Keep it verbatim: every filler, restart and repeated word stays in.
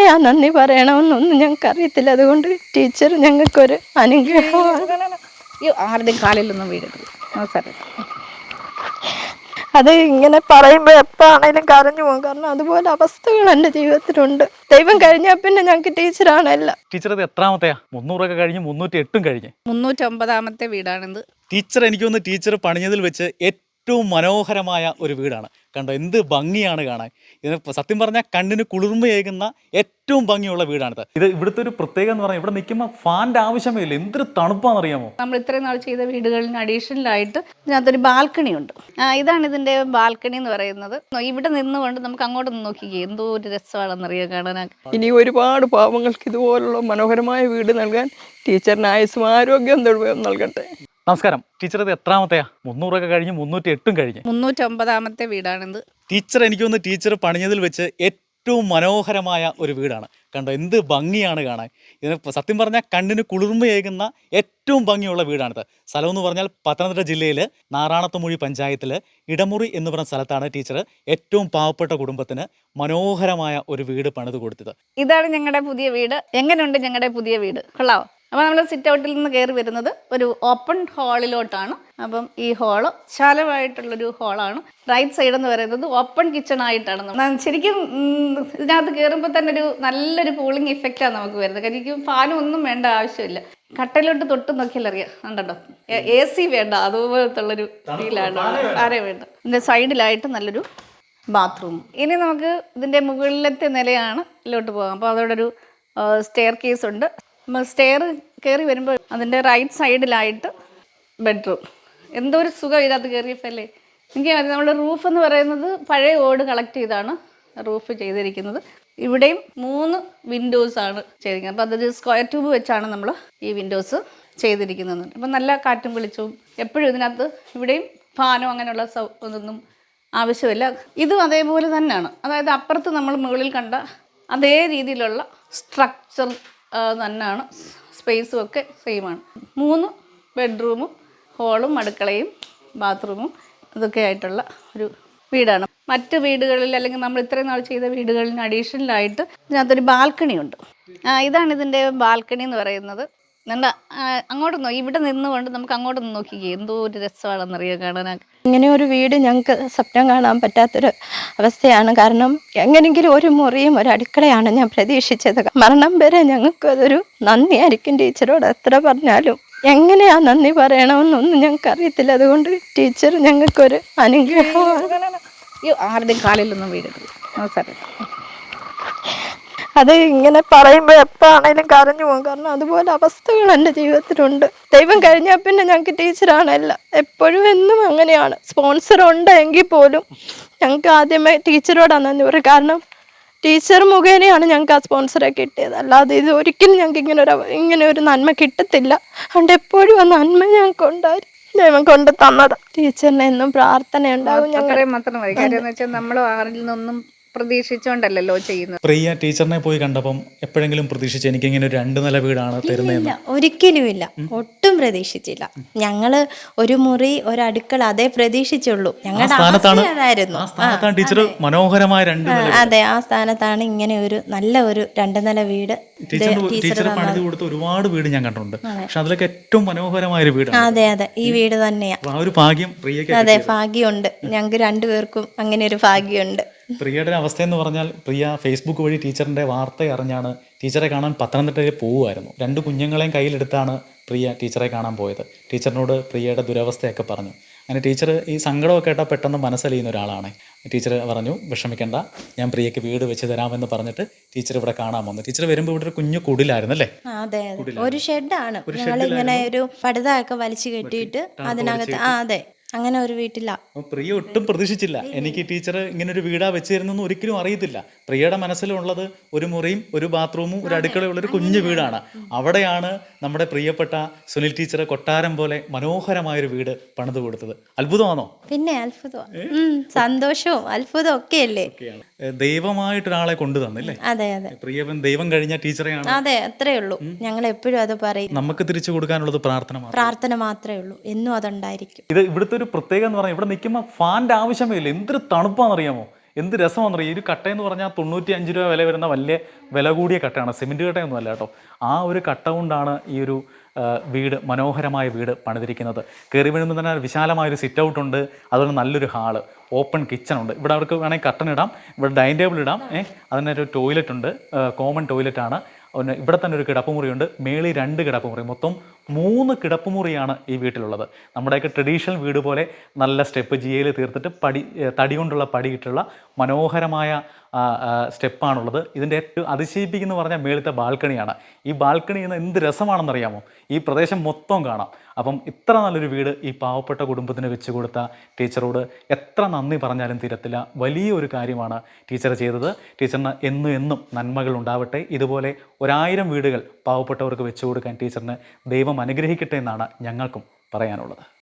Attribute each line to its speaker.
Speaker 1: എങ്ങനെയാ നന്ദി പറയണമെന്നൊന്നും ഞങ്ങൾക്ക് അറിയത്തില്ല. അതുകൊണ്ട് ടീച്ചർ ഞങ്ങൾക്കൊരു അനുഗ്രഹമാണ്.
Speaker 2: ആരുടെയും കാലിലൊന്നും വീഴരുത്. സാറേ,
Speaker 1: അത് ഇങ്ങനെ പറയുമ്പോൾ എപ്പോഴാണേലും കരഞ്ഞു പോകും. കാരണം അതുപോലെ അവസ്ഥകൾ എൻ്റെ ജീവിതത്തിലുണ്ട്. ദൈവം കഴിഞ്ഞാൽ പിന്നെ ഞങ്ങൾക്ക് ടീച്ചറാണല്ല.
Speaker 3: ടീച്ചർ ഇത് എത്രാമത്തെയാ? മുന്നൂറൊക്കെ കഴിഞ്ഞ് മുന്നൂറ്റി എട്ടും കഴിഞ്ഞ്
Speaker 2: മുന്നൂറ്റൊമ്പതാമത്തെ വീടാണിത്.
Speaker 3: ടീച്ചർ എനിക്ക് തോന്നുന്നു ടീച്ചർ പണിഞ്ഞതിൽ വെച്ച് ഏറ്റവും മനോഹരമായ ഒരു വീടാണ്. കണ്ടോ എന്ത് ഭംഗിയാണ് കാണാൻ. ഇതിന് സത്യം പറഞ്ഞാൽ കണ്ണിന് കുളിർമയേകുന്ന ഏറ്റവും ഭംഗിയുള്ള വീടാണിത്. ഇത് ഇവിടുത്തെ ഒരു പ്രത്യേകത എന്ന് പറഞ്ഞാൽ ഇവിടെ നിൽക്കുമ്പോൾ ഫാൻ്റെ ആവശ്യമേ ഇല്ല. എന്തൊരു തണുപ്പാണെന്നറിയാമോ?
Speaker 2: നമ്മൾ ഇത്രയും നാൾ ചെയ്ത വീടുകളിന് അഡീഷണലായിട്ട് ഇതിനകത്തൊരു ബാൽക്കണി ഉണ്ട്. ഇതാണ് ഇതിൻ്റെ ബാൽക്കണി എന്ന് പറയുന്നത്. ഇവിടെ നിന്നുകൊണ്ട് നമുക്ക് അങ്ങോട്ട് നിന്ന് നോക്കിക്കേ, എന്തോ ഒരു രസമാണെന്നറിയാം കാണാൻ.
Speaker 1: ഇനി ഒരുപാട് പാവങ്ങൾക്ക് ഇതുപോലുള്ള മനോഹരമായ വീട് നൽകാൻ ടീച്ചറിന് ആയുസ്സും ആരോഗ്യം തൊഴിലും നൽകട്ടെ.
Speaker 3: നമസ്കാരം. ടീച്ചർ ഇത് എത്രാമത്തെയാ? മുന്നൂറൊക്കെ കഴിഞ്ഞ് മുന്നൂറ്റി എട്ടും കഴിഞ്ഞ്
Speaker 2: മുന്നൂറ്റൊമ്പതാമത്തെ വീടാണിത്.
Speaker 3: ടീച്ചർ എനിക്ക് തോന്നുന്നു ടീച്ചർ പണിഞ്ഞതിൽ വെച്ച് ഏറ്റവും മനോഹരമായ ഒരു വീടാണ്. കണ്ടോ എന്ത് ഭംഗിയാണ് കാണാൻ. ഇതിന് സത്യം പറഞ്ഞാൽ കണ്ണിന് കുളിർമയേകുന്ന ഏറ്റവും ഭംഗിയുള്ള വീടാണിത്. സ്ഥലം എന്ന് പറഞ്ഞാൽ പത്തനംതിട്ട ജില്ലയിൽ നാറാണത്തുമൂഴി പഞ്ചായത്തിൽ ഇടമുറി എന്ന് പറഞ്ഞ സ്ഥലത്താണ് ടീച്ചർ ഏറ്റവും പാവപ്പെട്ട കുടുംബത്തിന് മനോഹരമായ ഒരു വീട് പണിത് കൊടുത്തത്.
Speaker 2: ഇതാണ് ഞങ്ങളുടെ പുതിയ വീട്. എങ്ങനെയുണ്ട് ഞങ്ങളുടെ പുതിയ വീട്? കൊള്ളാവോ? അപ്പോൾ നമ്മൾ സിറ്റ് ഔട്ടിൽ നിന്ന് കയറി വരുന്നത് ഒരു ഓപ്പൺ ഹാളിലോട്ടാണ്. അപ്പം ഈ ഹാള് വിശാലമായിട്ടുള്ളൊരു ഹാളാണ്. റൈറ്റ് സൈഡ് എന്ന് പറയുന്നത് ഓപ്പൺ കിച്ചൺ ആയിട്ടാണ്. ശരിക്കും ഇതിനകത്ത് കയറുമ്പോൾ തന്നെ ഒരു നല്ലൊരു കൂളിംഗ് ഇഫക്റ്റാണ് നമുക്ക് വരുന്നത്. കാരണം ഫാനും ഒന്നും വേണ്ട ആവശ്യമില്ല. കട്ടയിലോട്ട് തൊട്ട് നോക്കിയാൽ അറിയാം. കണ്ടോ, എ സി വേണ്ട, അതുപോലത്തുള്ളൊരു ഫീലാണ്. ആരെ വേണ്ട. ഇതിൻ്റെ സൈഡിലായിട്ട് നല്ലൊരു ബാത്റൂം. ഇനി നമുക്ക് ഇതിൻ്റെ മുകളിലത്തെ നിലയാണ് ഇതിലോട്ട് പോകാം. അപ്പോൾ അതോടെ ഒരു സ്റ്റെയർ കേസ് ഉണ്ട്. സ്റ്റെയർ കയറി വരുമ്പോൾ അതിൻ്റെ റൈറ്റ് സൈഡിലായിട്ട് ബെഡ്റൂം. എന്തോ ഒരു സുഖം ഇതിനകത്ത് കയറിയപ്പോൾ അല്ലേ. എനിക്ക് നമ്മുടെ റൂഫ് എന്ന് പറയുന്നത് പഴയ ഓട് കളക്ട് ചെയ്താണ് റൂഫ് ചെയ്തിരിക്കുന്നത്. ഇവിടെയും മൂന്ന് വിൻഡോസാണ് ചെയ്തിരിക്കുന്നത്. അപ്പോൾ അതൊരു സ്ക്വയർ ട്യൂബ് വെച്ചാണ് നമ്മൾ ഈ വിൻഡോസ് ചെയ്തിരിക്കുന്നത്. അപ്പം നല്ല കാറ്റും വെളിച്ചവും എപ്പോഴും ഇതിനകത്ത്. ഇവിടെയും ഫാനോ അങ്ങനെയുള്ള സൗ ഒന്നും ആവശ്യമില്ല. ഇതും അതേപോലെ തന്നെയാണ്. അതായത് അപ്പുറത്ത് നമ്മൾ മുകളിൽ കണ്ട അതേ രീതിയിലുള്ള സ്ട്രക്ചർ തന്നെയാണ്. സ്പേസും ഒക്കെ സെയിമാണ്. മൂന്ന് ബെഡ്റൂമും ഹോളും അടുക്കളയും ബാത്റൂമും ഇതൊക്കെ ആയിട്ടുള്ള ഒരു വീടാണ്. മറ്റ് വീടുകളിൽ അല്ലെങ്കിൽ നമ്മൾ ഇത്രയും നാൾ ചെയ്ത വീടുകളിന് അഡീഷണലായിട്ട് ഇതിനകത്തൊരു ബാൽക്കണി ഉണ്ട്. ഇതാണ് ഇതിൻ്റെ ബാൽക്കണി എന്ന് പറയുന്നത്. എന്താ അങ്ങോട്ട് നോ ഇവിടെ നിന്നുകൊണ്ട് നമുക്ക് അങ്ങോട്ട് നിന്ന് നോക്കിക്കേ, എന്തോ ഒരു രസമാണെന്നറിയാം കാണാൻ.
Speaker 1: ഇങ്ങനെ ഒരു വീട് ഞങ്ങൾക്ക് സ്വപ്നം കാണാൻ പറ്റാത്തൊരു അവസ്ഥയാണ്. കാരണം എങ്ങനെയെങ്കിലും ഒരു മുറിയും ഒരു അടുക്കളയാണ് ഞാൻ പ്രതീക്ഷിച്ചത്. മരണം വരെ ഞങ്ങൾക്ക് അതൊരു നന്ദിയായിരിക്കും. ടീച്ചറോട് എത്ര പറഞ്ഞാലും എങ്ങനെയാ നന്ദി പറയണമെന്നൊന്നും ഞങ്ങൾക്ക് അറിയത്തില്ല. അതുകൊണ്ട് ടീച്ചർ ഞങ്ങൾക്കൊരു അനുഗ്രഹമാണ്.
Speaker 2: ആരുടെയും കാലിലൊന്നും വീഴരുത്. സാറേ,
Speaker 1: അത് ഇങ്ങനെ പറയുമ്പോൾ എപ്പോഴാണേലും കരഞ്ഞു പോകും. കാരണം അതുപോലെ അവസ്ഥകൾ എൻ്റെ ജീവിതത്തിലുണ്ട്. ദൈവം കഴിഞ്ഞാൽ പിന്നെ ഞങ്ങൾക്ക് ടീച്ചറാണല്ല. എപ്പോഴും എന്നും അങ്ങനെയാണ്. സ്പോൺസർ ഉണ്ടെങ്കിൽ പോലും ഞങ്ങൾക്ക് ആദ്യമേ ടീച്ചറോടാണ് നന്ദി പറയും. കാരണം ടീച്ചർ മുഖേനയാണ് ഞങ്ങൾക്ക് ആ സ്പോൺസറെ കിട്ടിയത്. അല്ലാതെ ഇത് ഒരിക്കലും ഞങ്ങൾക്ക് ഇങ്ങനെ ഒരു ഇങ്ങനെ ഒരു നന്മ കിട്ടത്തില്ല. അതുകൊണ്ട് എപ്പോഴും ആ നന്മ ഞങ്ങൾക്ക് ഉണ്ടായി ദൈവം കൊണ്ട് തന്നത്. ടീച്ചറിന് എന്നും പ്രാർത്ഥന ഉണ്ടാകും.
Speaker 2: ഞങ്ങളെ മാത്രം മതി. കാര്യം എന്ന് വെച്ചാൽ നമ്മൾ ആരിൽ നിന്നൊന്നും പ്രതീക്ഷിച്ചോണ്ടല്ലോ ചെയ്യുന്നത്.
Speaker 3: പ്രിയ ടീച്ചറിനെ പോയി കണ്ടപ്പം എപ്പോഴെങ്കിലും പ്രതീക്ഷിച്ച് എനിക്ക് ഇങ്ങനെ ഒരു രണ്ട് നില വീടാണ് തരുന്നതെന്ന്?
Speaker 1: ഒരിക്കലുമില്ല, ഒട്ടും പ്രതീക്ഷിച്ചില്ല. ഞങ്ങള് ഒരു മുറി ഒരു അടുക്കള അതേ പ്രതീക്ഷിച്ചുള്ളൂ. ഞങ്ങളുടെ ആയിരുന്നു.
Speaker 3: മനോഹരമായ രണ്ട്
Speaker 1: അതെ, ആ സ്ഥാനത്താണ് ഇങ്ങനെ ഒരു നല്ല ഒരു രണ്ട് നില വീട്.
Speaker 3: ടീച്ചർ പണിത് കൊടുത്ത ഒരുപാട് വീട് ഞാൻ കണ്ടിട്ടുണ്ട്. പക്ഷെ അതിലൊക്കെ ഏറ്റവും മനോഹരമായ ഒരു വീട്.
Speaker 1: അതെ അതെ, ഈ വീട് തന്നെയാ.
Speaker 3: ആ ഒരു ഭാഗ്യം പ്രിയക്ക്.
Speaker 1: അതെ, ഭാഗ്യമുണ്ട്. ഞങ്ങൾക്ക് രണ്ടുപേർക്കും അങ്ങനെ ഒരു ഭാഗ്യമുണ്ട്.
Speaker 3: പ്രിയയുടെ അവസ്ഥ എന്ന് പറഞ്ഞാൽ പ്രിയ ഫേസ്ബുക്ക് വഴി ടീച്ചറിൻ്റെ വാർത്ത അറിഞ്ഞാണ് ടീച്ചറെ കാണാൻ പത്തനംതിട്ടയിൽ പോവുമായിരുന്നു. രണ്ട് കുഞ്ഞുങ്ങളെയും കയ്യിലെടുത്താണ് പ്രിയ ടീച്ചറെ കാണാൻ പോയത്. ടീച്ചറിനോട് പ്രിയയുടെ ദുരവസ്ഥയൊക്കെ പറഞ്ഞു. അങ്ങനെ ടീച്ചർ ഈ സങ്കടമൊക്കെ കേട്ടാൽ പെട്ടെന്ന് മനസ്സലിയുന്ന ഒരാളാണ്. ടീച്ചർ പറഞ്ഞു വിഷമിക്കേണ്ട, ഞാൻ പ്രിയക്ക് വീട് വെച്ച് തരാമെന്ന് പറഞ്ഞിട്ട് ടീച്ചർ ഇവിടെ കാണാൻ വന്നു. ടീച്ചർ വരുമ്പോൾ ഇവിടെ ഒരു കുഞ്ഞു കുടിലായിരുന്നു അല്ലേ?
Speaker 1: അതെ, ഒരു ഷെഡാണ്. ഇങ്ങനെ ഒരു പടുതയൊക്കെ വലിച്ചു കെട്ടിയിട്ട് അതിനകത്ത്. ആ അതെ, അങ്ങനെ ഒരു വീട്ടില.
Speaker 3: പ്രിയ ഒട്ടും പ്രതീക്ഷിച്ചില്ല എനിക്ക് ടീച്ചർ ഇങ്ങനെ ഒരു വീടാ വെച്ച് തരുന്നൊന്നും ഒരിക്കലും അറിയത്തില്ല. പ്രിയയുടെ മനസ്സിലുള്ളത് ഒരു മുറിയും ഒരു ബാത്റൂമും ഒരു അടുക്കളയുള്ള ഒരു കുഞ്ഞു വീടാണ്. അവിടെയാണ് നമ്മുടെ പ്രിയപ്പെട്ട സുനിൽ ടീച്ചർ കൊട്ടാരം പോലെ മനോഹരമായൊരു വീട് പണിത് കൊടുത്തത്. അത്ഭുതമാണോ?
Speaker 1: പിന്നെ അത്ഭുതമാണ്, സന്തോഷവും അത്ഭുതവും ഒക്കെ അല്ലേ.
Speaker 3: ദൈവമായിട്ടൊരാളെ കൊണ്ടു തന്നില്ലേ?
Speaker 1: അതെ അതെ,
Speaker 3: പ്രിയവൻ ദൈവം കഴിഞ്ഞ ടീച്ചറെയാണ്.
Speaker 1: അതെ, അത്രേ ഉള്ളൂ. ഞങ്ങൾ എപ്പോഴും അത് പറയും.
Speaker 3: നമുക്ക് തിരിച്ചു കൊടുക്കാനുള്ളത് പ്രാർത്ഥന
Speaker 1: പ്രാർത്ഥന മാത്രമേ ഉള്ളൂ. എന്നും അതുണ്ടായിരിക്കും.
Speaker 3: ഇത് ഇവിടുത്തെ ഒരു പ്രത്യേകത എന്ന് പറഞ്ഞാൽ ഇവിടെ നിൽക്കുമ്പോൾ ഫാൻ്റെ ആവശ്യമേ ഇല്ല. എന്തൊരു തണുപ്പാണെന്നറിയാമോ? എന്ത് രസമാണെന്നറിയാം. ഈ ഒരു കട്ടയെന്ന് പറഞ്ഞാൽ തൊണ്ണൂറ്റി അഞ്ച് രൂപ വില വരുന്ന വലിയ വില കൂടിയ കട്ടയാണ്, സിമെൻറ്റ് കട്ടയൊന്നും അല്ല കേട്ടോ. ആ ഒരു കട്ട കൊണ്ടാണ് ഈ ഒരു വീട്, മനോഹരമായ വീട് പണിതിരിക്കുന്നത്. കയറി വീഴുമ്പോൾ തന്നെ വിശാലമായൊരു സിറ്റ് ഔട്ട് ഉണ്ട്, അതുപോലെ നല്ലൊരു ഹാള്, ഓപ്പൺ കിച്ചൺ ഉണ്ട്. ഇവിടെ അവർക്ക് വേണമെങ്കിൽ കട്ടൻ ഇടാം, ഇവിടെ ഡൈനിങ് ടേബിൾ ഇടാം. ഏഹ് അതിനൊരു ടോയ്ലറ്റ് ഉണ്ട്, കോമൺ ടോയ്ലറ്റാണ്. പിന്നെ ഇവിടെ തന്നെ ഒരു കിടപ്പുമുറിയുണ്ട്, മേളിൽ രണ്ട് കിടപ്പുമുറി, മൊത്തം മൂന്ന് കിടപ്പുമുറിയാണ് ഈ വീട്ടിലുള്ളത്. നമ്മുടെയൊക്കെ ട്രഡീഷണൽ വീട് പോലെ നല്ല സ്റ്റെപ്പ് ജിയയിൽ തീർത്തിട്ട് പടി തടി കൊണ്ടുള്ള പടിയിട്ടുള്ള മനോഹരമായ സ്റ്റെപ്പാണുള്ളത്. ഇതിൻ്റെ ഏറ്റവും അതിശയിപ്പിക്കുന്ന പറഞ്ഞാൽ മേളത്തെ ബാൽക്കണിയാണ്. ഈ ബാൽക്കണി എന്ന് എന്ത് രസമാണെന്നറിയാമോ, ഈ പ്രദേശം മൊത്തം കാണാം. അപ്പം ഇത്ര നല്ലൊരു വീട് ഈ പാവപ്പെട്ട കുടുംബത്തിന് വെച്ച് കൊടുത്ത ടീച്ചറോട് എത്ര നന്ദി പറഞ്ഞാലും തീരത്തില്ല. വലിയൊരു കാര്യമാണ് ടീച്ചർ ചെയ്തത്. ടീച്ചറിന് എന്നും എന്നും നന്മകൾ ഉണ്ടാവട്ടെ. ഇതുപോലെ ഒരായിരം വീടുകൾ പാവപ്പെട്ടവർക്ക് വെച്ചു കൊടുക്കാൻ ടീച്ചറിന് ദൈവം അനുഗ്രഹിക്കട്ടെ എന്നാണ് ഞങ്ങൾക്കും പറയാനുള്ളത്.